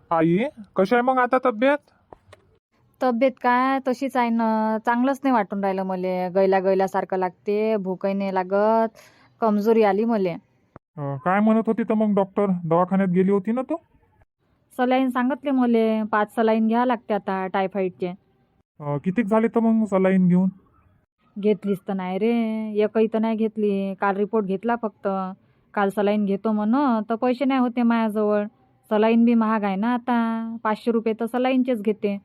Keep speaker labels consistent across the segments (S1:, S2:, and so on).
S1: आई, कशी आहे मग आता तब्येत?
S2: तब्येत काय तशीच आहे ना. चांगलंच नाही वाटून राहिलं मले. गैला गैल्यासारखं लागते, भूकही नाही लागत, कमजोरी आली मले.
S1: काय म्हणत होती तर मग डॉक्टर? दवाखान्यात गेली होती ना तू?
S2: सलाईन सांगितले मले, 5 सलाईन घ्या लागते आता टायफॉईडचे.
S1: कितीक झाले तर मग सलाईन घेऊन?
S2: घेतलीच तर नाही रे, एकही तर नाही घेतली. काल रिपोर्ट घेतला फक्त. काल सलाईन घेतो म्हण तर पैसे नाही होते माझ्याजवळ. सलाईन बी महाग आहे ना आता, 500 रुपये तर सलाईनचेच घेते.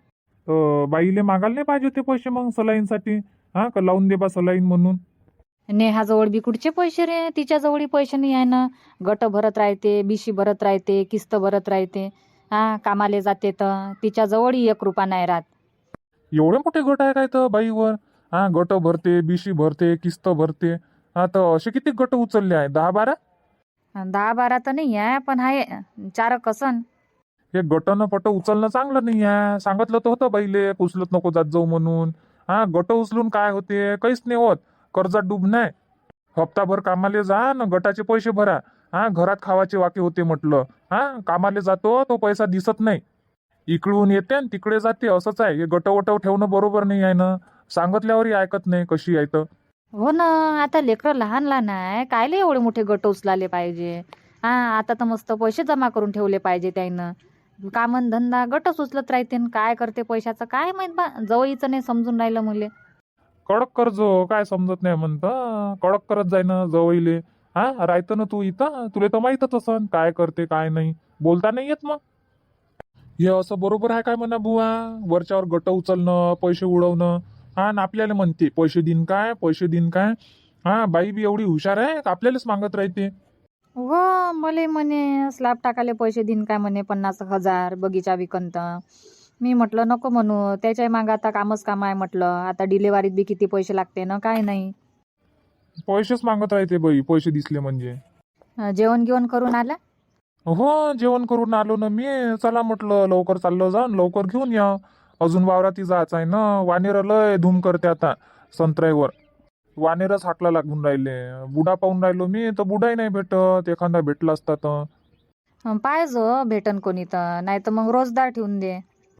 S1: तर बाईले मागायला नाही पाहिजे होते पैसे मग सलाईनसाठी? हा, का लावून दे बा सलाईन म्हणून?
S2: नेहाजवळ बी कुठचे पैसे रे, तिच्याजवळही पैसे नाही आहे ना. गट भरत राहते, बिशी भरत राहते, किस्त भरत राहते. हा, कामाले जाते तर तिच्याजवळही 1 रुपया नाही राहत.
S1: एवढे मोठे गट आहे काय तर बाईवर? हा, गट भरते, बीसी भरते, किस्त भरते. हा, तर असे किती गट उचलले आहे? 10-12?
S2: 10-12 तर नाही आहे, पण आहे 4 कसन.
S1: हे गटनं पट उचलणं चांगलं नाही आहे. सांगितलं तर होतं बाईले, उचलत नको जात जाऊ म्हणून. हा, गट उचलून काय होते? काहीच नाही होत. कर्जात डूब नाही. हप्ताभर कामाले जा ना, गटाचे पैसे भरा. हा, घरात खावाचे वाके होते म्हटलं. हा, कामाले जातो तो पैसा दिसत नाही. इकडून येते आणि तिकडे जाते, असंच आहे. हे गटवटव ठेवणं बरोबर नाही आहे ना. सांगितल्यावरही ऐकत नाही, कशी आहे तर.
S2: हो ना. आता लेकरं लहान लहान आहे, कायले एवढे मोठे गट उचलाले पाहिजे. हा, आता तर मस्त पैसे जमा करून ठेवले पाहिजे त्यानं. कामन धंदा गटच उचलत राहते न काय करते पैशाचं काय माहित बा. जवळीचं नाही समजून राहिलं मुले.
S1: कडक करजो, काय समजत नाही म्हणतं. कडक करत जाय ना जवळले. हा, राहतं ना तू इथं, तुला तर माहीतच असन काय करते काय नाही. बोलता नाही येत मग. हे असं बरोबर आहे काय म्हणा बुवा? वरच्यावर गट उचलणं, पैसे उडवणं. हा, आणि आपल्याला म्हणते पैसे देईन काय, पैसे देईन काय. हा, बाई बी एवढी हुशार आहे का आपल्यालाच मागत राहते.
S2: हो, मले म्हणे स्लॅब टाकाले पैसे देईन काय म्हणे 50,000 बगीचा विकंत. मी म्हटलं नको म्हणू, त्याच्या मागं आता कामच काम आहे म्हटलं. आता डिलेवरीत बी किती पैसे लागते ना काय नाही.
S1: पैसेच मागत राहते बाई, पैसे दिसले म्हणजे.
S2: जेवण गिवण करून आला?
S1: हो, जेवण करून आलो ना मी. चला म्हटलं लवकर चाललो जाऊन लवकर घेऊन या. अजून वावराती जायचं आहे ना. वानेर लय धूम करते आता संत्र्यावर. वानेरच हाकला लागून राहिले. बुडा पाहून राहिलो मी तर बुडाही नाही भेटत. एखादा भेटला असता तर.
S2: पाहिजो भेटन कोणी तर, नाही तर मग रोजदार ठेवून दे.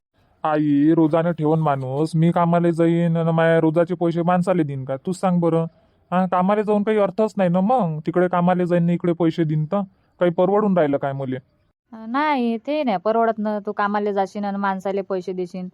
S1: आई, रोजाने ठेवून माणूस मी कामाला जाईन आणि माझ्या रोजाचे पैसे माणसाला देईन का? तूच सांग बरं. हा, कामाला जाऊन काही अर्थच नाही ना मग. तिकडे कामाला जाईन ना इकडे पैसे देईन तर काही परवडून राहिलं काय मुले?
S2: नाही ते नाही परवडत ना. तू कामाला जाशील आणि माणसाले पैसे देशील.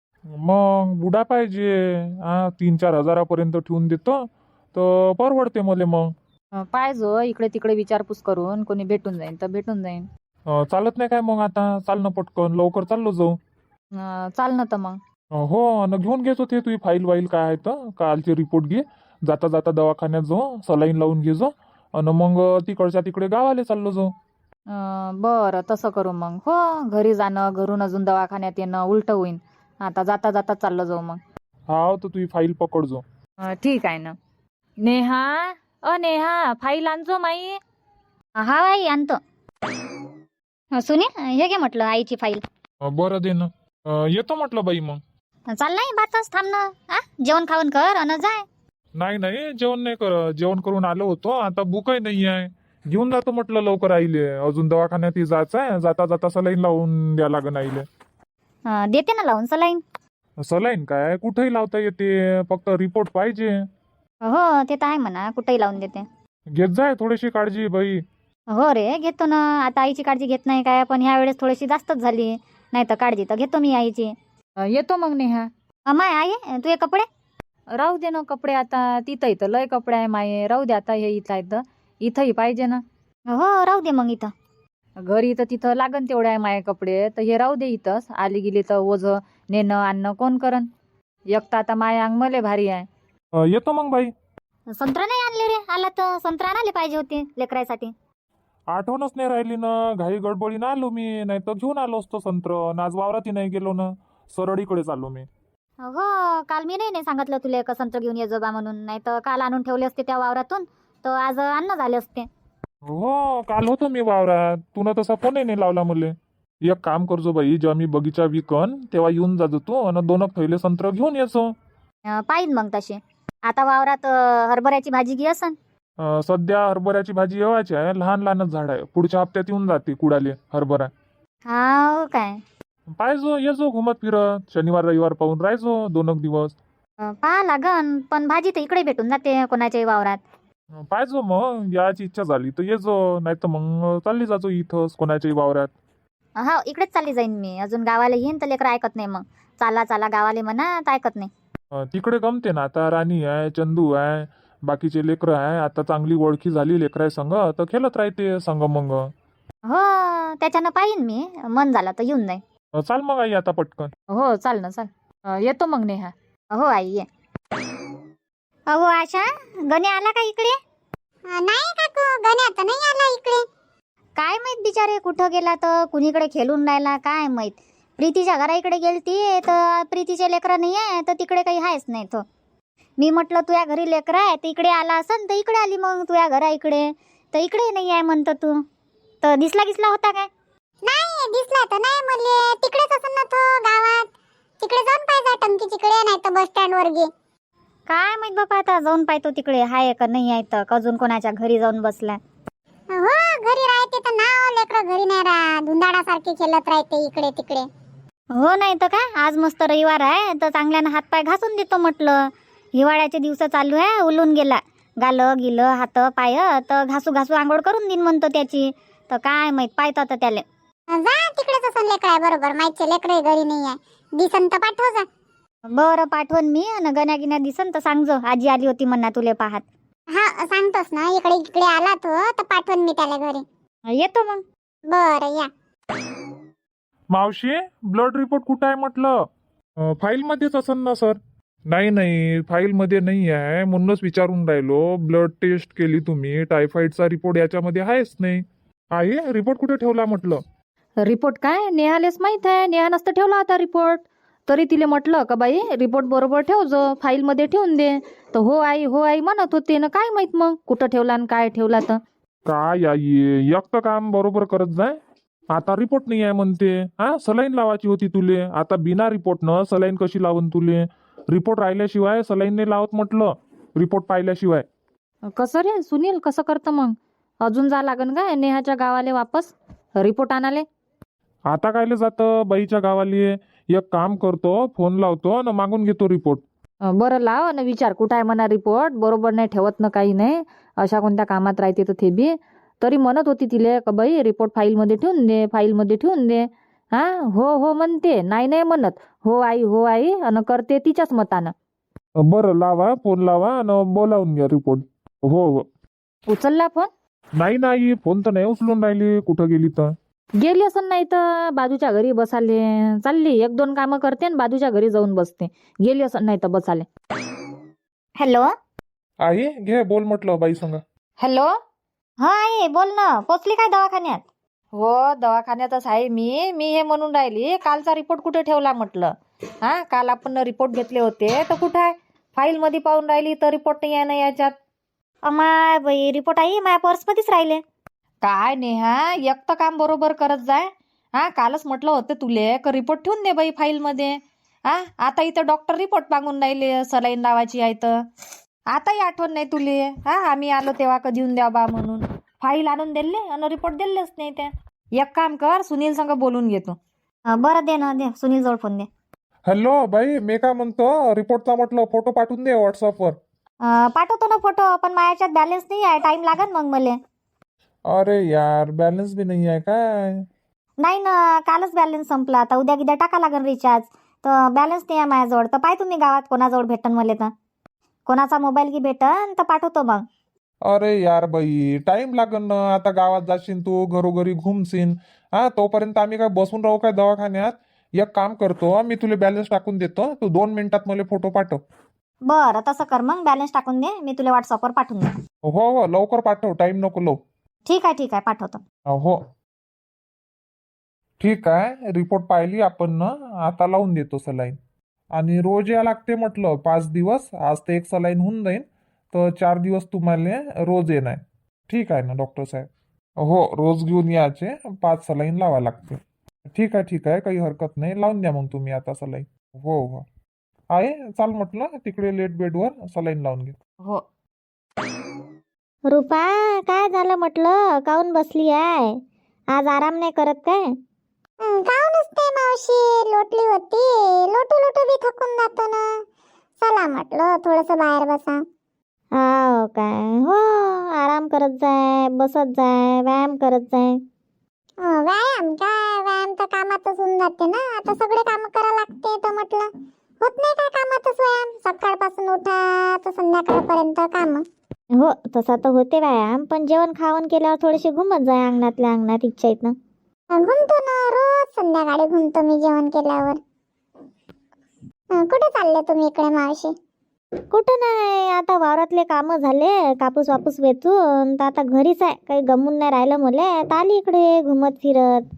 S1: मग बुडा पाहिजे. हा, 3-4 हजारापर्यंत ठेवून देतो तर परवडते मले मग.
S2: पाहिजो इकडे तिकडे विचारपूस करून कोणी भेटून जाईन तर भेटून जाईन.
S1: चालत नाही काय मग आता? चाल ना पटकन, लवकर चाललो जाऊ.
S2: चाल ना तर मग.
S1: हो, आणि घेऊन घेतो ते तुझी फाईल वाईल काय आहे तर कालचे रिपोर्ट घे. जाता जाता दवाखान्यात जाऊ, सलाईन लावून घे जो. आणि मग तिकडच्या तिकडे गावाला चाललो जाऊ.
S2: बरं तसं करू मग. हो, घरी जाणं घरून अजून दवाखान्यात येणं उलट होईन. आता जाता जाता चाललं जाऊ मग.
S1: हा, तर तुझी फाईल पकडजो.
S2: ठीक आहे ना. नेहा, नेहा फाईल आणजो माई.
S3: हा आई आणतो. सुनील हे घे म्हटलं आईची फाईल.
S1: बरं दे ना. येतो म्हटलं बाई मग.
S3: चाललाय बाताच थांब ना. जेवण खाऊन कर अन जाय.
S1: नाही नाही, जेवण नाही कर. जेवण करून आलो होतो, आता भूकही नाही आहे. घेऊन जातो म्हटलं लवकर आईले. अजून दवाखान्यात जायचं आहे. जाता जाता सलाईन लावून द्या लागन आईले.
S3: देते ना लावून सलाईन.
S1: सलाईन काय कुठेही लावता येते, फक्त रिपोर्ट पाहिजे.
S3: हो ते तर आहे म्हणा, कुठेही लावून देते.
S1: घेत जाय थोडीशी काळजी बाई.
S3: हो रे घेतो ना. आता आईची काळजी घेत नाही काय, पण ह्या वेळेस थोडीशी जास्तच झाली. नाही तर काळजी तर घेतो मी आईची.
S2: येतो मग नेहा.
S3: माय आई तुझे कपडे.
S2: राहू दे ना कपडे आता. तिथं इथं लय कपडे आहे माये. राहू दे आता. हे इथं आहेत इथंही पाहिजे ना.
S3: हो राहू दे मग इथं.
S2: घरी तर तिथं लागन तेवढे आहे माये कपडे, तर हे राहू दे इथंच. आली गेली तर ओझं नेणं आणणं कोण करन. एक तर आता माय अंग मले भारी आहे.
S1: येतो मग बाई.
S3: संत्रा नाही आणले रे. आला तर संत्रा आणायला पाहिजे होते लेकरासाठी.
S1: आठवणच नाही राहिली ना. घाई गडबडीनं आलो मी, नाही तर घेऊन आलो असतो संत्र. आणि आज वावरातही नाही गेलो ना, सरळीकडे चाललो मी.
S3: हो काल मी नाही सांगितलं तुला का संत्र घेऊन ये बा म्हणून. नाही तर काल आणून ठेवले असते त्या वावरातून, तर आज अन्न झाले असते.
S1: हो, काल होतो मी वावरात. तुला तसा फोनही नाही लावला मले. एक काम करजो बाई, जेव्हा मी बगीचा विकन तेव्हा येऊन जाजो तू आणि 2 थैले संत्र घेऊन येजो.
S3: पाहिन मग तशी. आता वावरात हरभऱ्याची भाजी घे असन.
S1: सध्या हरभऱ्याची भाजी येवायची आहे. लहान लहानच झाड आहे. पुढच्या हप्त्यात येऊन जाते कुडाले हरभरा.
S3: हा काय
S1: पाहिजो येजो घुमत फिरत शनिवार रविवार पाहून राहायचो 2 दिवस.
S3: पहा लागन, पण भाजी तर इकडे भेटून जाते कोणाच्याही वावरात.
S1: पाहिजो मग याची इच्छा झाली तर येजो, नाही तर मग चालली जातो इथंच कोणाच्याही वावरात.
S3: हो इकडेच चालली जाईन मी. अजून गावाला येईन तर लेकरं ऐकत नाही मग. चाला चाला गावाले म्हणा तर ऐकत नाही.
S1: तिकडे गमते ना, आता राणी आहे, चंदू आहे, बाकीचे लेकरं आहे, आता चांगली ओळखी झाली लेकराय संग तर खेळत राहते संग मग.
S3: हो त्याच्यानं पाहिन मी. मन झालं तर येऊन जाईन.
S1: चाल मग आई आता पटकन.
S2: हो चाल ना चाल. येतो मग नेहा.
S3: हो आई ये. अहो आशा, गणे आला का इकडे? नाही काकू, गणे आता नाही आला इकडे. काय माहित बिचारे कुठं गेला, तर कुणीकडे खेळून राहिला काय माहित. प्रीतीच्या घरा इकडे गेलती तर प्रीतीचे लेकरं नाही आहे, तर तिकडे काही आहेच नाही तो. मी म्हटलं तुझ्या घरी लेकरं आहे तर इकडे आला असन, तर इकडे आली मग तुझ्या घरा इकडे. तर इकडे नाही आहे म्हणतो तू. तर दिसला होता काय? नाही दिसला तर नाही मले. तिकडेच असन ना तो गावात. तिकडे जाऊन पाहिजे टंकीच्याकडे, नाही तर बस स्टँड वर गे. काय माहित बापा, आता जाऊन पाहतो तिकडे हाय का नाही आहे, तर अजून कोणाच्या घरी जाऊन बसला. हो घरी राहते तर नाव लेकरं घरी नाही राहत. धुंदाडासारखे खेळत राहते इकडे तिकडे. हो नाही तर काय, आज मस्त रविवार आहे तर चांगल्यानं हातपाय घासून देतो म्हटलं. हिवाळ्याचे दिवस चालू आहे, उलून गेला. गालं गिलं हात पाय तर घासू घासू आंघोळ करून देईन म्हणतो त्याची. तर काय माहित पाहतो आता त्याले. जा तिकडेच असन लेकर आहे बरोबर. माहिती लेकर घरी नाही आहे. दिसन तर पाठव जा. बरं पाठवून मी. आणि गण्या गिन्या दिसन तर सांगजो आजी आली होती म्हणा तुले पाहत. हा सांगतोस ना, इकडे इकडे आला तो तर पाठवून मी त्याला घरी. येतो मग. बरं या.
S1: मावशी ब्लड रिपोर्ट कुठं आहे म्हटलं? फाईल मध्येच असन ना सर? नाही फाईल मध्ये नाही आहे, म्हणूनच विचारून राहिलो. ब्लड टेस्ट केली तुम्ही, टायफॉइडचा रिपोर्ट याच्यामध्ये आहेच नाही. आहे रिपोर्ट कुठे ठेवला म्हटलं?
S2: रिपोर्ट काय नेहालेच माहित आहे. नेहा नसतं ठेवला होता रिपोर्ट. तरी तिले म्हटलं का बाई रिपोर्ट बरोबर ठेव जो, फाईल मध्ये ठेवून दे. तर हो आई म्हणत होते ना, काय माहित मग कुठं ठेवला आणि काय ठेवला. तर
S1: काय आई एक तर काम बरोबर करत जाय. आता रिपोर्ट नाही आहे म्हणते. हा सलाईन लावायची होती तुले, आता बिना रिपोर्ट न सलाईन कशी लावून तुले? रिपोर्ट राहिल्याशिवाय सलाईन नाही लावत म्हटलं, रिपोर्ट पाहिल्याशिवाय.
S2: कसं रे सुनील, कसं करतं मग? अजून जा लागन काय नेहाच्या गावाले वापस रिपोर्ट आणाले?
S1: आता कायले जातं बाईच्या गावाले? एक काम करतो, फोन लावतो आणि मागून घेतो रिपोर्ट.
S2: बरं लाव आणि विचार कुठं आहे म्हणा रिपोर्ट. बरोबर नाही ठेवत ना काही नाही, अशा कोणत्या कामात राहते तर ते बी. तरी म्हणत होती तिले का बाई रिपोर्ट फाईलमध्ये ठेवून दे, फाईलमध्ये ठेवून दे. हा हो म्हणते, नाही म्हणत. हो आई आणि करते तिच्याच मतानं.
S1: बरं लावा, फोन लावा आणि बोलावून घ्या रिपोर्ट. हो.
S2: उचलला फोन?
S1: नाही फोन तर नाही उचलून राहिली, कुठं गेली तर.
S2: गेली असं नाही तर बाजूच्या घरी बसाले चालली. 1-2 कामं करते आणि बाजूच्या घरी जाऊन बसते. गेली असं नाही तर बसाले.
S3: हॅलो.
S1: आई घे बोल म्हटलं बाई संग.
S2: हॅलो.
S3: हा आई बोल ना. पोचली काय दवाखान्यात?
S2: हो दवाखान्यातच आहे मी हे म्हणून राहिली कालचा रिपोर्ट कुठे ठेवला म्हटलं. हा काल आपण रिपोर्ट घेतले होते तर कुठं आहे? फाईल मध्ये पाहून राहिली तर रिपोर्ट नाही आहे ना याच्यात.
S3: अमाय बाई रिपोर्ट आई माझ्या पर्समध्येच राहिले.
S2: काय नेहा एक तर काम बरोबर करत जाय. हा कालच म्हटलं होतं तुले का रिपोर्ट ठेवून दे बाई फाईल मध्ये. हा आता इथं डॉक्टर रिपोर्ट मागून राहिले सलाईन लावायची आहे तर. आताही आठवण नाही तुले. हा आम्ही आलो तेव्हा का देऊन द्या बा म्हणून. फाईल आणून दिले आणि रिपोर्ट दिलेच नाही त्या. एक काम कर सुनील संग बोलून घेतो.
S3: बरं दे ना दे, सुनील जवळ फोन दे.
S1: हॅलो बाई, मी काय म्हणतो रिपोर्टचा म्हटलं फोटो पाठवून दे व्हॉट्सअपवर.
S3: पाठवतो ना फोटो, पण माझ्या याच्यात बॅलन्स नाही आहे. टाइम लागेल मग मला.
S1: अरे यार बॅलन्स बी नाही आहे काय?
S3: नाही ना, कालच बॅलन्स संपला. आता उद्या गिद्या टाका लागेल रिचार्ज. तर बॅलन्स नाही आहे माझ्याजवळ. तर पाय तुम्ही गावात कोणाजवळ भेटन मला, तर कोणाचा मोबाईल की भेटन तर पाठवतो मग.
S1: अरे यार बाई टाइम लागन ना. आता गावात जाशील तू, घरोघरी घुमशील. हा तोपर्यंत आम्ही काय बसून राहू काय दवाखान्यात? एक काम करतो, मी तुला बॅलन्स टाकून देतो, तू 2 मिनिटात मला फोटो पाठव.
S3: बरं तसं कर मग. बॅलन्स टाकून दे, मी तुला व्हॉट्सअपवर पाठवून दे.
S1: हो लवकर पाठव, टाइम नको लावू.
S3: ठीक आहे पाठवतो.
S1: हो ठीक आहे. रिपोर्ट पाहिली आपण ना, आता लावून देतो सलाईन. आणि रोज या लागते म्हटलं 5 दिवस. आज तर 1 सलाईन होऊन जाईल, तर 4 दिवस तुम्हाला रोज येणार. ठीक आहे ना डॉक्टर साहेब? हो रोज घेऊन यायचे, 5 सलाईन लावा लागते. ठीक आहे काही हरकत नाही. लावून द्या मग तुम्ही आता सलाईन. हो आहे चाल म्हटलं तिकडे लेट बेडवर सलाईन लावून घे.
S2: हो.
S3: रुपा काय झालं म्हटलं, काऊन बसली आहे? आज आराम नाही करत काय? काहून नसते मावशी, लोटली होती, लोटू लोटू बी थकून जातो ना. चला म्हटलं थोडस बाहेर बसा.
S4: हो काय, हो आराम करत जाय, बसत जाय, व्यायाम करत जाय.
S3: व्यायाम काय, व्यायाम तर कामातच होऊन जाते ना. आता सगळे काम करा लागते तर म्हटलं होत नाही काय कामातच व्यायाम. सकाळपासून उठा तर संध्याकाळपर्यंत काम.
S4: हो तसा तर होते व्यायाम, पण जेवण खावण केल्यावर थोडेसे घुमत जाय अंगणातल्या अंगणात इच्छा येत ना.
S3: घुमतो ना, रोज संध्याकाळी घुमतो मी जेवण केल्यावर. कुठे चालले तुम्ही इकडे मावशी?
S4: कुठं नाही, आता वावरातले काम झाले, कापूस वापूस वेचून तर आता घरीच आहे. काही गमून नाही राहिलं मले, तर आली इकडे घुमत फिरत.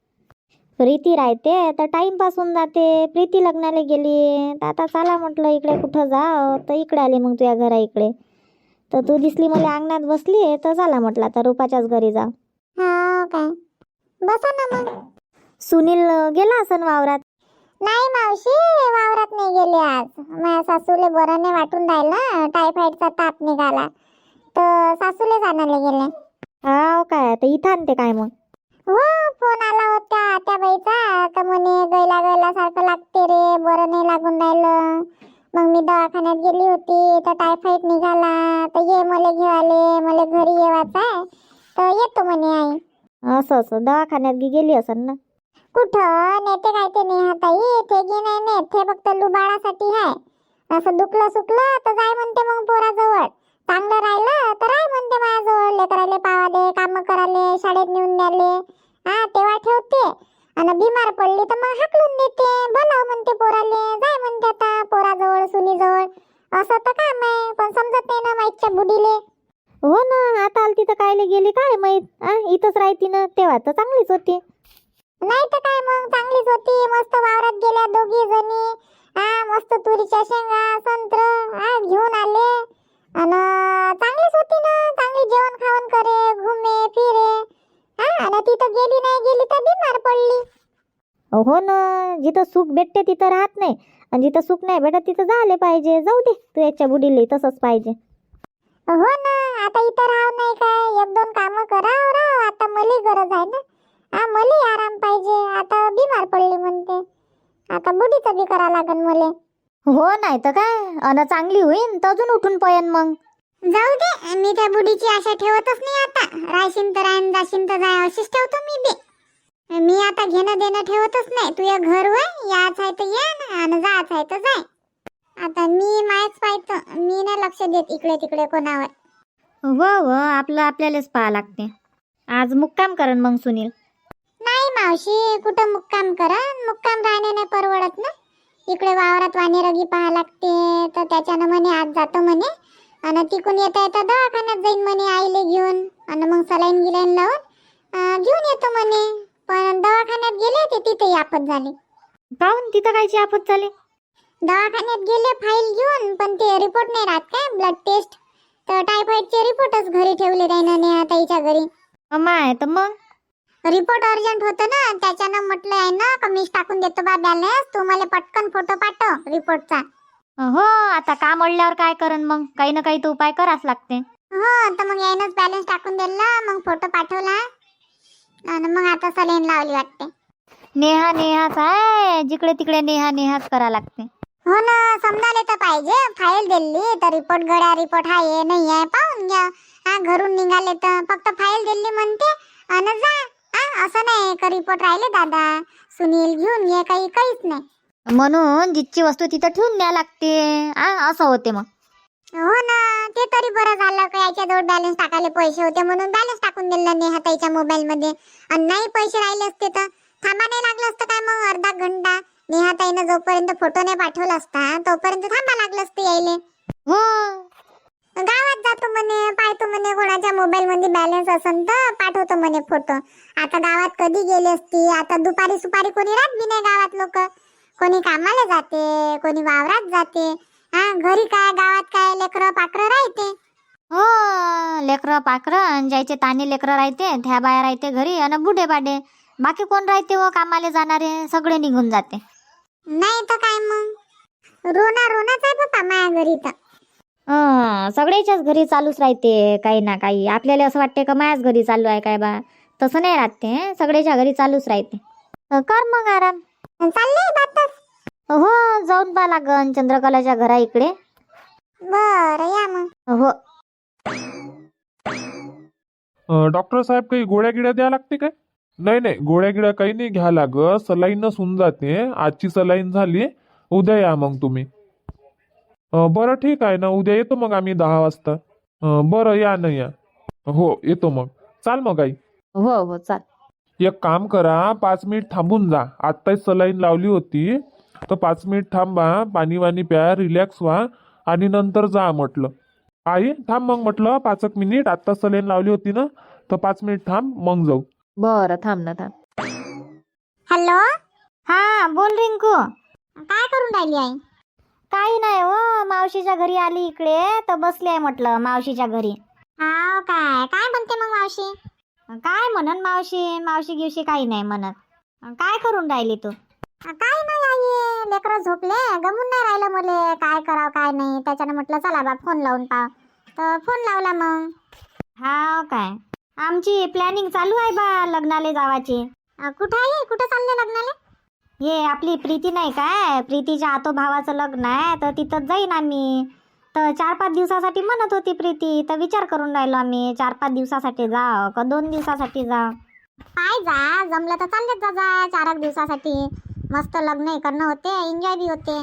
S4: प्रीती राहते तर टाइमपास होऊन जाते. प्रीती लग्नाला गेली तर आता चला म्हटलं इकडे कुठं जाव, तर इकडे आले मग तुझ्या घरा इकडे. तर तू दिसली मला अंगणात बसली तर चला म्हटलं आता रुपाच्याच घरी जा.
S3: हो काय, बसा ना मग.
S4: सुनील गेला असन वावरात.
S3: नाही मावशी, वावरात नाही गेले आज. माझ्या सासूले बरं नाही वाटून राहिलं, टायफॉइडचा ताप निघाला तर सासूले आणायला गेले.
S4: हाव काय, तर इथं आणते काय मग?
S3: हो, फोन आला होता त्या बाईचा तर म्हणे गैला गैला सारखं लागते रे, बरं नाही लागून राहिलं. मग मी दवाखान्यात गेली होती तर टायफॉइड निघाला, तर ये मला घेवाले, मला घरी येवायचं आहे तर येतो म्हणे आई.
S4: असं असं दवाखान्यात गेली असन ना.
S3: कुठं नेते काय ते नेहाताई, ते गी नाही नेत, ते फक्त लुबाडासाठी आहे. असं दुखलं सुकलं तर जाय म्हणते मग पोराजवळ. चांगलं राहिलं तर राय म्हणते माझ्याजवळ, लेकराले पावाले, काम कराले, शाळेत नेऊन द्याले. तेव्हा ठेवते. आणि बिमार पडली तर मग हाकलून देते. बोलाव म्हणते पोराले, जाय म्हणते आता पोराजवळ, सुनीजवळ. असं तर काम आहे, पण समजत नाही ना माईच्या बुडीले.
S4: हो ना, आता आलती तर कायले गेली काय माहित. इथंच राहती ना, तेव्हा तर चांगलीच होती.
S3: नाही तर काय, मग चांगलीच होती. मस्त वावरात गेल्या दोघी जणी. मस्त तुरीच्या शेंगा, संत्र घेऊन आले. आणि चांगलीच होती ना, चांगली जेवण खावण करे, घुमे फिरे. आणि तिथं गेली नाही गेली तर बिमार पडली.
S4: हो ना, जिथं सुख भेटते तिथं राहत नाही, आणि जिथं सुख नाही भेटत तिथं झाले पाहिजे. जाऊ दे, तू याच्या बुडीले तसंच पाहिजे.
S3: हो ना, आता इथं राहाव नाही काय, एक दोन कामं कराव राव. आता मलाही गरज आहे ना. मलाही आराम पाहिजे. आता बिमार पडली म्हणते, आता बुडीचं बी करा लागन मले.
S4: हो नाही तर काय, अन चांगली होईन तर अजून उठून पयन मग.
S3: जाऊ दे, मी त्या बुडीची आशा ठेवतच नाही आता. रायशीन तर रायन, जाशीन तर जाय, अशीच ठेवतो मी बी. मी आता घेणं देणं ठेवतच नाही. तुझ्या घर होय, याच आहे तर ये आणि जायच आहे तर जाय. आता मी मायच पाहतो, मी नाही लक्ष देत इकडे तिकडे कोणावर.
S4: हो हो, आपलं आपल्यालाच पाहा लागते. आज मुक्काम करन मग सुनील.
S3: नाही मावशी, कुठं मुक्काम करा, मुक्काम राहणे नाही परवडत ना. इकडे वावरात वानेरगी पाहा लागते, तर त्याच्यानं म्हणे आज जातो म्हणे. आणि तिकून येता येता दवाखान्यात जाईन म्हणे आईले घेऊन, आणि मग सलाईन गिलाईन लावून घेऊन येतो म्हणे. पण दवाखान्यात गेले ते तिथे आफत झाली.
S4: काहून, तिथं कायची आफत झाली?
S3: दवाखान्यात गेले फाईल घेऊन, पण ते रिपोर्ट नाही राहत काय, ब्लड टेस्ट. तर टायफॉइडचे रिपोर्टच घरी ठेवले त्यानं, नेहाताईच्या घरी.
S4: माय, तर मग
S3: रिपोर्ट अर्जंट होतं ना, त्याच्यानं म्हटलं आहे ना का मीच टाकून देतो बा बॅलन्स, तू मला पटकन फोटो पाठव रिपोर्टचा.
S4: हो, आता काम अडल्यावर काय करन मग, काही ना काही तर उपाय कराच लागते.
S3: हो, तर मग यायनंच बॅलन्स टाकून दिला, मग फोटो पाठवला आणि मग आता सलाईन लावली वाटते.
S4: नेहा नेहाच आहे, जिकडे तिकडे नेहा नेहाच करा लागते.
S3: हो ना, समजायला तर पाहिजे. फाईल दिली तर रिपोर्ट गड्या रिपोर्ट आहे नाही आहे पाहून घ्या. घरून निघाले तर फक्त फाईल दिली म्हणते आणि जा. असं नाही का रिपोर्ट राहिले दादा, सुनील घेऊन ये, काहीच नाही.
S4: म्हणून जिथची वस्तू तिथं ठेवून द्या लागते. असं होते मग.
S3: हो ना, ते तरी बरं झालं का याच्याजवळ बॅलन्स टाकायला पैसे होते म्हणून बॅलन्स टाकून दिलं नेहाताईच्या मोबाईल मध्ये. आणि नाही पैसे राहिले असते तर थांबा नाही लागलं असतं काय मग अर्धा घंटा. नेहाताईनं जोपर्यंत फोटो नाही पाठवला असता तोपर्यंत थांबा लागलं असतं यायले.
S4: हो,
S3: गावात जातो म्हणे, पाहतो म्हणे कोणाच्या मोबाईल मध्ये बॅलन्स असन तर पाठवतो म्हणे फोटो. आता गावात कधी गेली असती, आता दुपारी सुपारी कोणी राहत बी नाही गावात. लोक कोणी कामाला जाते, कोणी वावरात जाते. घरी काय, गावात काय, लेकरं पाकरं राहते.
S4: हो, लेकरं पाकरं, ज्याचे ताने लेकरं राहते त्या बाया राहते घरी, आणि बुढे बाडे. बाकी कोण राहते व कामाला जाणारे, सगळे निघून जाते.
S3: नाही तर काय मग, रोनाच आहे बाबा माया घरी तर.
S4: सगळ्याच्याच घरी चालूच राहते काही ना काही. आपल्याला असं वाटते का माझ्याच घरी चालू आहे काय बा, तसं नाही राहते. सगळ्याच्या घरी चालूच राहते. कर मग आराम.
S3: चालले बातच.
S4: हो, जाऊन पहा लागन चंद्रकलाच्या घरा इकडे.
S3: बरं या मग.
S4: हो.
S1: डॉक्टर साहेब काही गोळ्या गिळ्या द्या लागते काय? नाही नाही, गोळ्या गिळ्या काही नाही घ्या लागत. सलाईनच होऊन जाते. आजची सलाईन झाली, उद्या या मग तुम्ही. बरं ठीक आहे ना, उद्या येतो मग आम्ही 10 वाजता. बरं या ना या. हो येतो मग. चाल मग आई.
S2: हो हो चाल.
S1: एक काम करा, 5 मिनिट थांबून जा. आत्ताच सलाईन लावली होती तर 5 मिनिट थांबा, पाणी वाणी प्या, रिलॅक्स व्हा आणि नंतर जा म्हटलं. आई थांब मग म्हटलं 5 मिनिट. आत्ता सलाईन लावली होती ना, तर 5 मिनिट थांब मग जाऊ.
S2: बरं थांब ना थांब.
S3: हॅलो,
S4: हा बोल रिंकू.
S3: काय करून राहिली आई?
S4: काही नाही हो, मावशीच्या घरी आली इकडे तर बसली आहे म्हटलं मावशीच्या घरी.
S3: हाव काय काय म्हणते मग मावशी?
S4: काय म्हणन मावशी, मावशी गिवशी काही नाही म्हणत. काय करून राहिली तू?
S3: काय नाही आई, लेकरं झोपले, गमून नाही राहिलं मले काय करावं काय नाही. त्याच्यानं म्हटलं चला बा फोन लावून पाव, तर फोन लावला मग.
S4: हा काय, आमची प्लॅनिंग चालू आहे बा लग्नाला जावाची.
S3: कुठं आहे, कुठं चालले लग्नाला?
S4: हे आपली प्रीती नाही काय, प्रीतीच्या आतो भावाचं लग्न आहे तर तिथं जाईन आम्ही. तर 4-5 दिवसासाठी म्हणत होती प्रीती, तर विचार करून राहिलो आम्ही 4-5 दिवसासाठी जाव का 2 दिवसासाठी जाव.
S3: पाय जा, जमलं तर चाललेच जा जा 4 दिवसासाठी. मस्त लग्न करणं होते, एन्जॉय बी होते.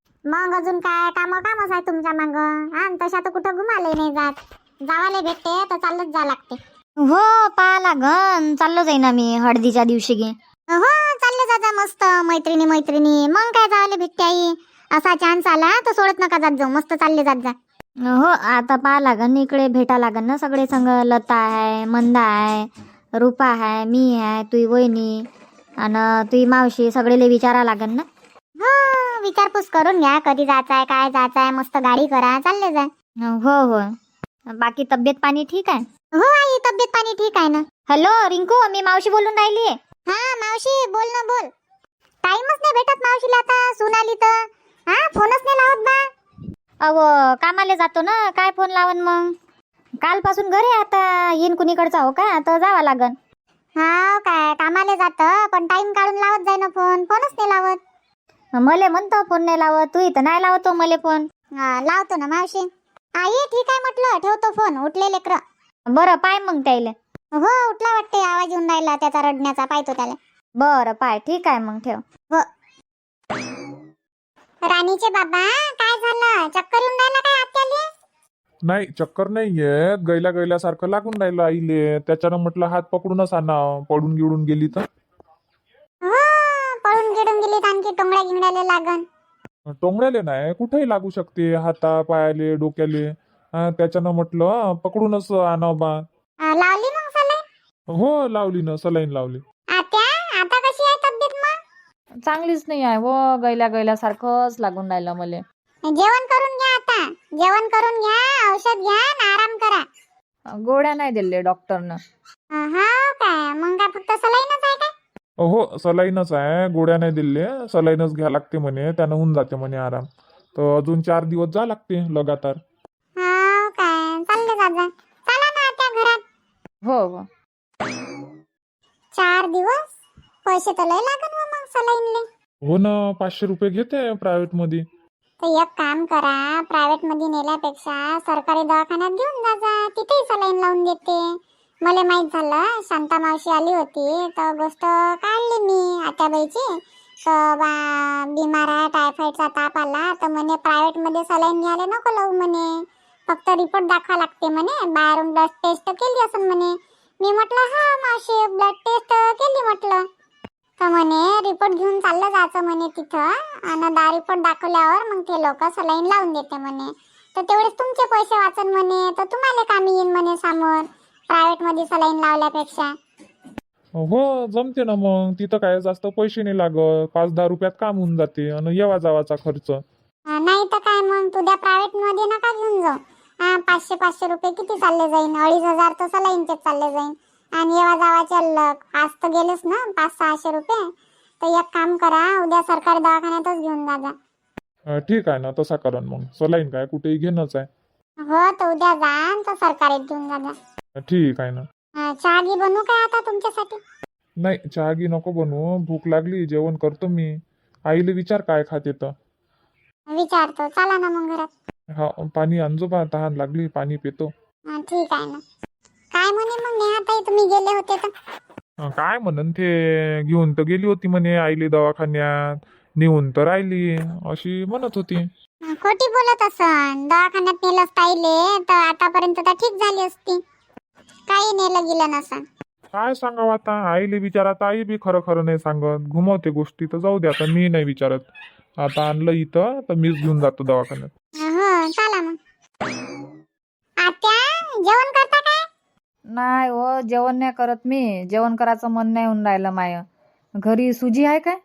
S3: मग अजून काय कामच आहे तुमच्या माग. हा तशा तर कुठं घुमाले नाही जात. जावाले भेटते तर चालत जा लागते.
S4: हो पहा लागन, चाललो जाईन आम्ही हळदीच्या दिवशी गे.
S3: हो चालले जा जा मस्त मैत्रिणी मैत्रिणी. मग काय जावाले भेटते आई. असा चान्स आला तर सोडत नका जात जाऊ, मस्त चालले जात जा.
S4: हो आता पहा लागन, इकडे भेटा लागन ना सगळे संग. लता आहे, मंदा आहे, रूपा आहे, मी आहे, तुई वहिनी आणि तुई मावशी, सगळेले विचारा लागन ना.
S3: हो विचारपूस करून घ्या, कधी जायचं आहे काय जायचं आहे. मस्त गाडी करा, चालले जा.
S4: हो हो. बाकी तब्येत पाणी ठीक आहे?
S3: हो आई, तब्येत पाणी ठीक आहे ना.
S4: हॅलो रिंकू, मी मावशी बोलून राहिली.
S3: हा मावशी बोल ना बोल. टाइमच नाही भेटत मावशीला आता, सून आली तर. हा फोनच नाही लावत बा.
S4: अहो कामाला जातो ना, काय फोन लावन मग. कालपासून घरी आता येईन कुणीकडचा हो का, तर जावं लागन.
S3: हा काय कामाला जातं पण टाइम काढून लावत जाय ना फोन. फोनच नाही लावत.
S4: मले म्हणतो फोन नाही लावत, तू इथं नाही लावतो मले फोन.
S3: लावतो ना मावशी. आई ठीक आहे म्हटलं, ठेवतो फोन. उठले लेकर.
S4: बरं पाय मग त्याले.
S3: हो उठला वाटते, आवाज येऊन राहिला त्याचा रडण्याचा, पाहतो त्याला.
S4: बरं पाय, ठीक आहे मग ठेव.
S3: हो. राणीचे बाबा काय झालं, चक्कर येऊन राहिला काय आत्याले?
S1: नाही चक्कर नाहीये, गैल्यासारखं लागून राहिलं आईले. त्याच्यानं म्हटलं हात पकडूनच आणा, पडून गिळून गेली तर.
S3: हो पळून गिडून गेली तर आणखी टोंगड्या गिंगड्याले लागन.
S1: टोंगड्याले नाही, कुठेही लागू शकते, हाता पायाले डोक्याले. त्याच्यानं म्हटलं पकडूनच आणावं बा.
S3: लावली मग सलाईन?
S1: हो लावली ना, सलाईन लावली.
S3: आत्या आता कशी आहे तब्येत मग?
S2: चांगलीच नाही आहे हो, गैल्यासारखंच लागून राहिलं मले.
S3: जेवण करून घ्या आता. जेवण करून घ्या, औषध घ्या आणि आराम करा.
S2: गोळ्या नाही दिले डॉक्टरनं.
S3: हा काय, मग काय फक्त सलाईनच आहे काय?
S1: हो सलाईनच आहे, गोळ्या नाही दिले. सलाईनच घ्या लागते म्हणे, त्यानं होऊन जाते म्हणे आराम. तर अजून 4 दिवस जा लागते लगातार.
S3: हा काय, चालले जा जा. चला ना आत्या घरात.
S2: हो हो.
S3: 4 दिवस पैसे तर लय लागन मग सलाईनले.
S1: हो ना, 500 रुपये घेते प्रायव्हेट मध्ये.
S3: तर एक काम करा, प्रायव्हेट मध्ये नेल्यापेक्षा सरकारी दवाखान्यात घेऊन जा जा, तिथेही सलाईन लावून देते. मला माहित झालं, शांता मावशी आली होती तर गोष्ट काढली मी आत्याबाईची. तर बा बिमार आहे, टायफॉइडचा ताप आला तर म्हणे प्रायव्हेट मध्ये सलाईन घ्यायला नको लावू म्हणे, फक्त रिपोर्ट दाखवा लागते म्हणे. बाहेरून ब्लड टेस्ट केली असं म्हणे. मी म्हटलं हा मावशी ब्लड टेस्ट केली म्हटलं. तर म्हणे रिपोर्ट घेऊन चाललं जायचं म्हणे तिथं, आणि रिपोर्ट दाखवल्यावर मग ते लोक सलाईन लावून देते म्हणे. तर तेवढेच तुमचे पैसे वाचन म्हणे, तर तुम्हाला कामी येईन म्हणे समोर प्रायव्हेट मध्ये सलाईन लावल्यापेक्षा.
S1: हो जमते ना मग, तिथं काय जास्त पैसे नाही लागत, 5-10 रुपयात काम होऊन जाते आणि येवा जावाचा खर्च.
S3: नाही तर काय, मग तुझ्या प्रायव्हेट मध्ये नका घेऊन जाऊ. 500 रुपये किती चालले जाईन, 2500 तर सलाईनचेच चालले जाईन. आणि येवा जावाचे अलग आज तर गेलेच ना 500-600 रुपये. तर एक काम करा, उद्या सरकारी दवाखान्यातच घेऊन जा जा.
S1: ठीक आहे ना, तसा करा मग. सलाईन काय कुठेही घेणंच आहे.
S3: हो तर उद्या जा तर सरकारीत घेऊन जा जा.
S1: ठीक आहे ना.
S3: चहा घी बनवू काय आता तुमच्यासाठी?
S1: नाही चहा गी नको बनवू, भूक लागली, जेवण करतो मी. आईले विचार काय खाते तर.
S3: विचारतो, चला ना मग घरात.
S1: हा पाणी आणजो बा, तहान लागली, पाणी पितो.
S3: ठीक आहे ना. काय म्हणे मग नेहाताई, तुम्ही गेले होते तर?
S1: काय म्हणन ते, घेऊन तर गेली होती म्हणे आईले दवाखान्यात, नेऊन तर राहिली, अशी म्हणत होती.
S3: खोटी बोलत असन. दवाखान्यात नेलंच ताईले तर आतापर्यंत तर ठीक झाली असती. काही नेलं गेलं नसन.
S1: काय सांगावं आता, आईले विचारात आई बी खरं खरं नाही सांगत, घुमवते गोष्टी. तर जाऊ दे आता, मी नाही विचारत. आता आणलं इथं तर मीच घेऊन जातो दवाखान्यात.
S3: हो चला मग. आत्या, जेवण करता काय?
S2: नाही हो, जेवण नाही करत मी. जेवण करायचं मन नाही होऊन राहिलं माय. घरी सुजी आहे काय?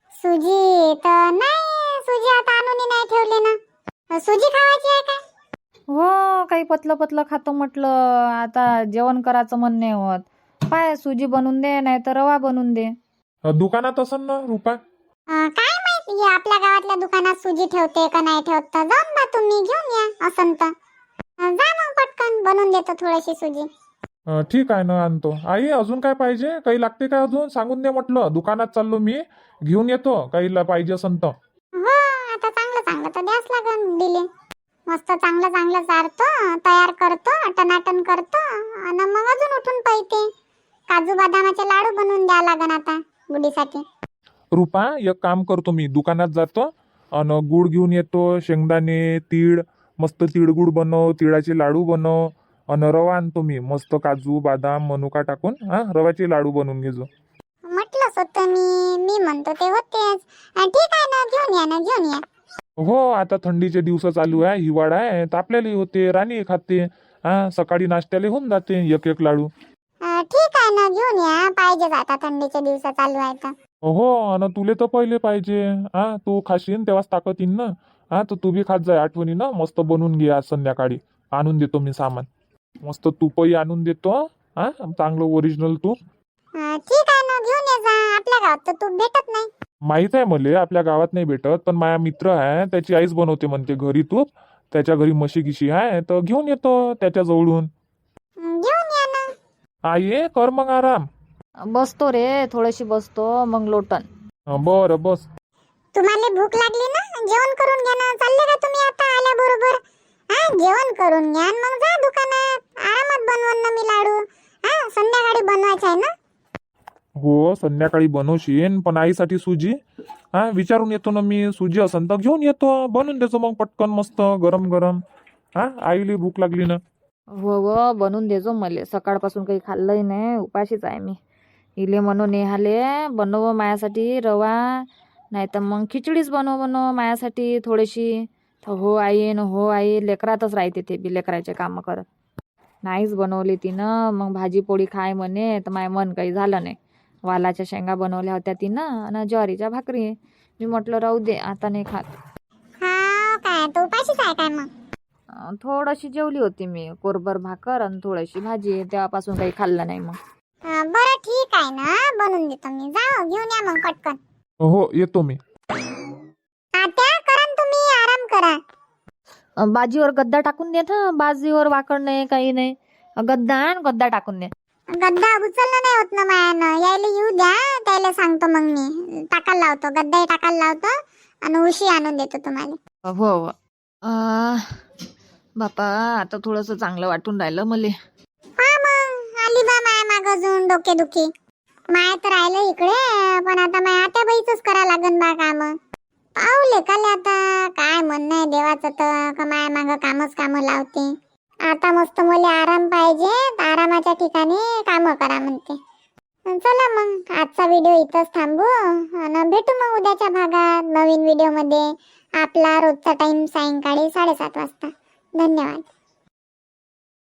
S3: सुजी तर नाही, सुजी आता आणून नाही ठेवली ना. सुजी खावायची आहे काय?
S2: हो, काही पतलं पतलं खातो म्हटलं. आता जेवण करायचं मन नाही होत. पाय सुजी बनवून दे, नाही तर रवा बनवून दे.
S1: दुकानात असन ना रुपा?
S3: काय माहिती, हे आपल्या गावातल्या दुकानात सुजी ठेवते का नाही ठेवत. तर जाऊन बा तुम्ही घेऊन या असन तर. जा मग पटकन, बनवून देतो थोडीशी सुजी.
S1: ठीक आहे ना, आणतो. आई अजून काय पाहिजे, काही लागते काय अजून? सांगून दे म्हटलं, दुकानात चाललो मी, घेऊन येतो काही पाहिजे असन तर.
S3: हो, आता चांगलं चांगलं तर द्यास लागन दिले. मस्त चांगलं चांगलं चारतो, तयार करतो, टनाटन करतो आणि मग अजून उठून पाहिजे. काजू बदामाचे लाडू बनवून द्या लागन आता गुडीसाठी.
S1: रुपा, एक काम करतो, मी दुकानात जातो आणि गुळ घेऊन येतो, शेंगदाणे, तीळ, मस्त तिळगुळ बनव, तिळाचे लाडू बनव, आणि रवा आणतो मी, मस्त काजू बदाम मनुका टाकून रवाचे लाडू बनवून घेजो.
S3: म्हटलंच होतं मी म्हणतो ते होतेच. ठीक आहे ना, घेऊन या ना, घेऊन या.
S1: हो, आता थंडीचे दिवस चालू आहे, हिवाळा आहे, तर आपल्यालाही होते, राणी खाते. सकाळी नाश्त्याला होऊन जाते एक एक लाडू.
S3: ठीक आहे ना, घेऊन या. पाहिजेच आता, थंडीचे दिवस चालू आहेत.
S1: हो, आणि तुले तर पहिले पाहिजे. तू खाशील तेव्हाच ताकद येईन ना. तर तू बी खात जाय आठवणीनं. मस्त बनवून घे, आज संध्याकाळी आणून देतो मी सामान. मस्त तूपही आणून देतो, चांगलं ओरिजिनल तूप.
S3: ठीक आहे ना, घेऊन ये जा. आपल्या गावात तर तूप भेटत नाही.
S1: माहित आहे मले, आपल्या गावात नाही भेटत, पण माझा मित्र आहे, त्याची आईच बनवते म्हणते घरी तूप. त्याच्या घरी म्हशी गिशी आहे, तर घेऊन येतो त्याच्या जवळून.
S3: घेऊन या ना.
S1: आई कर मग आराम.
S2: बसतो रे, थोडीशी बसतो, मग लोटन.
S1: बरं बस.
S3: तुम्हाला भूक लागली ना, जेवण करून घ्या ना. चालले का तुम्ही आता आल्याबरोबर? जेवण करून घ्या आणि मग जा दुकानात. आरामात बनवून ना मी लाडू. संध्याकाळी बनवायचं आहे ना.
S1: हो, संध्याकाळी बनवशील, पण आईसाठी सुजी विचारून येतो ना मी. सुजी असन तर घेऊन येतो, बनवून देतो मग पटकन, मस्त गरम गरम. आईली भूक लागली ना.
S2: हो बनवून देजो मले. सकाळपासून काही खाल्लंही नाही, उपाशीच आहे मी. इले म्हणून नेहाले बनव मायासाठी रवा, नाही तर मग खिचडीच बनव मायासाठी थोडीशी. तर हो आई न हो आई, लेकरातच राहते ते बी, लेकराचे कामं करत. नाहीच बनवली तिनं. मग भाजी पोळी खाय म्हणे, तर माय मन काही झालं नाही. वालाच्या शेंगा बनवल्या होत्या तिनं आणि ज्वारीच्या भाकरी. मी म्हटलं राहू दे, आता नाही खात.
S3: काय तू उपाशीच आहे काय मग?
S2: थोडीशी जेवली होती मी, कोरभर भाकर आणि थोडीशी भाजी. तेव्हापासून काही खाल्लं नाही मग.
S3: बरं ठीक आहे ना, बनवून देतो मी. जा घेऊन या मग पटकन.
S1: हो, येतो मी.
S3: आत्या, करा न तुम्ही, आराम करा.
S2: बाजीवर गद्दा टाकून दे ना. बाजीवर वाकड नाही, काही नाही. गद्दा टाकून दे.
S3: गद्दा उचलणं नाही होत ना मायानं. यायला येऊ द्या, त्याला सांगतो मग मी. टाकायला लावतो, गद्दाही टाकायला लावतो आणि उशी आणून देतो तुम्हाला.
S2: हो. बापा, आता थोडंसं चांगलं वाटून राहिलं मले.
S3: मग आली बा माया माग अजून डोके दुखी. माया तर राहिलं इकडे, पण आता माया आत्या बाईचंच करा लागन बा काम. पाहुले काले आता काय म्हणणं आहे देवाचं, तर का माया माग काम लावते. आता मस्त मला आराम पाहिजे, आरामाच्या ठिकाणी काम करा म्हणते. चला मग आजचा व्हिडिओ इथंच थांबू आणि भेटू मग उद्याच्या भागात नवीन व्हिडिओ मध्ये. आपला रोजचा टाइम सायंकाळी 7:30 वाजता. धन्यवाद.